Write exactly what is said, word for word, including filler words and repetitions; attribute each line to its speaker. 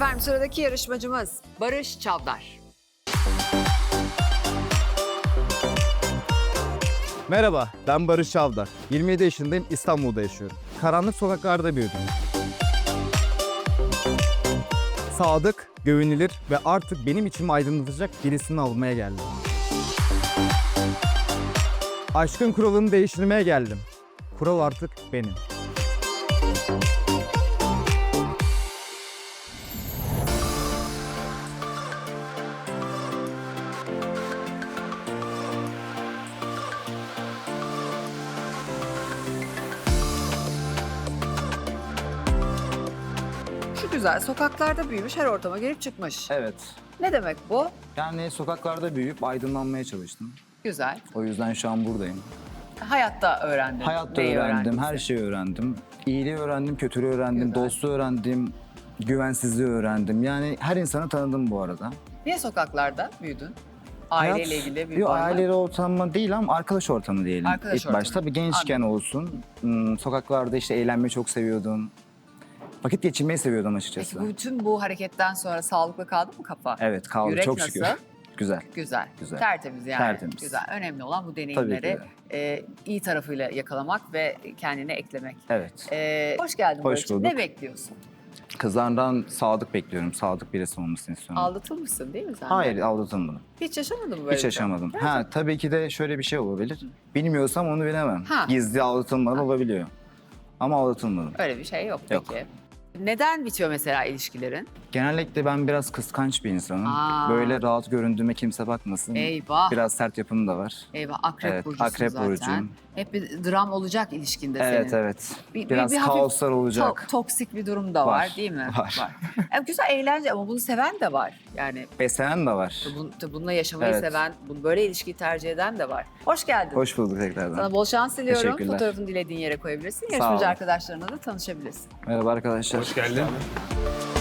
Speaker 1: Efendim sıradaki yarışmacımız Barış Çavdar.
Speaker 2: Merhaba, ben Barış Çavdar. yirmi yedi yaşındayım, İstanbul'da yaşıyorum. Karanlık sokaklarda büyüdüm. Sadık, güvenilir ve artık benim içimi aydınlatacak birisini almaya geldim. Aşkın kuralını değiştirmeye geldim. Kural artık benim.
Speaker 1: Şu güzel sokaklarda büyümüş, her ortama girip çıkmış.
Speaker 3: Evet.
Speaker 1: Ne demek bu?
Speaker 3: Yani sokaklarda büyüyüp aydınlanmaya çalıştım.
Speaker 1: Güzel.
Speaker 3: O yüzden şu an buradayım.
Speaker 1: Hayatta öğrendin.
Speaker 3: Hayatta
Speaker 1: neyi
Speaker 3: öğrendim, her
Speaker 1: öğrendinse.
Speaker 3: şeyi öğrendim. İyiliği öğrendim, kötülüğü öğrendim,
Speaker 1: Güzel.
Speaker 3: dostluğu öğrendim, güvensizliği öğrendim. Yani her insanı tanıdım bu arada.
Speaker 1: Niye sokaklarda büyüdün? Aileyle
Speaker 3: Hayat-
Speaker 1: ilgili bir
Speaker 3: Yok,
Speaker 1: bağ mı?
Speaker 3: aileyle ortamı değil ama arkadaş ortamı diyelim.
Speaker 1: Arkadaş
Speaker 3: İlk
Speaker 1: ortamı.
Speaker 3: başta. Tabii gençken olsun. Hmm, sokaklarda işte eğlenmeyi çok seviyordum. Vakit geçirmeyi seviyordum açıkçası.
Speaker 1: Peki bütün bu hareketten sonra sağlıklı kaldı mı kafa?
Speaker 3: Evet, kaldı
Speaker 1: Yürek
Speaker 3: çok
Speaker 1: nasıl?
Speaker 3: şükür. Güzel.
Speaker 1: Güzel.
Speaker 3: Güzel.
Speaker 1: Tertemiz yani.
Speaker 3: Tertemiz.
Speaker 1: Güzel. Önemli olan bu
Speaker 3: Tabii ki
Speaker 1: deneyimleri
Speaker 3: de.
Speaker 1: e, iyi tarafıyla yakalamak ve kendine eklemek.
Speaker 3: Evet.
Speaker 1: E, hoş geldin
Speaker 3: Hoş
Speaker 1: Barış'cığım.
Speaker 3: bulduk.
Speaker 1: Ne bekliyorsun?
Speaker 3: Kızlardan sadık bekliyorum. Sadık birisi olmasını istiyorum.
Speaker 1: Aldatılmışsın değil mi sen? de?
Speaker 3: Hayır, aldatılmadım.
Speaker 1: Hiç yaşamadın mı böyle
Speaker 3: Hiç
Speaker 1: bir şey?
Speaker 3: yaşamadım. Ha, tabii ki de şöyle bir şey olabilir. Bilmiyorsam onu bilemem.
Speaker 1: Ha.
Speaker 3: Gizli aldatılmalar olabiliyor. Ama aldatılmadım.
Speaker 1: Öyle bir şey yok,
Speaker 3: Yok.
Speaker 1: peki. Neden bitiyor mesela ilişkilerin?
Speaker 3: Genellikle ben biraz kıskanç bir insanım.
Speaker 1: Aa.
Speaker 3: Böyle rahat göründüğüme kimse bakmasın.
Speaker 1: Eyvah.
Speaker 3: Biraz sert yapım da var.
Speaker 1: Eyvah, akrep
Speaker 3: Evet,
Speaker 1: burcusun
Speaker 3: akrep
Speaker 1: zaten.
Speaker 3: burcuyum.
Speaker 1: Hep bir dram olacak ilişkinde
Speaker 3: Evet,
Speaker 1: senin.
Speaker 3: evet.
Speaker 1: Bir- bir-
Speaker 3: Biraz
Speaker 1: bir hafif
Speaker 3: kaoslar olacak.
Speaker 1: To- toksik bir durum da var,
Speaker 3: Var,
Speaker 1: değil mi?
Speaker 3: var.
Speaker 1: E, güzel, eğlence ama bunu seven de var. Yani
Speaker 3: Beslenen de var.
Speaker 1: bun- bununla yaşamayı
Speaker 3: Evet.
Speaker 1: seven, bunu böyle ilişkiyi tercih eden de var. Hoş geldin.
Speaker 3: Hoş bulduk tekrardan.
Speaker 1: Sana bol şans diliyorum.
Speaker 3: Teşekkürler.
Speaker 1: Fotoğrafını dilediğin yere koyabilirsin.
Speaker 3: Sağ
Speaker 1: Yarışmacı
Speaker 3: olun.
Speaker 1: arkadaşlarına da tanışabilirsin.
Speaker 3: Merhaba arkadaşlar.
Speaker 4: Hoş geldin.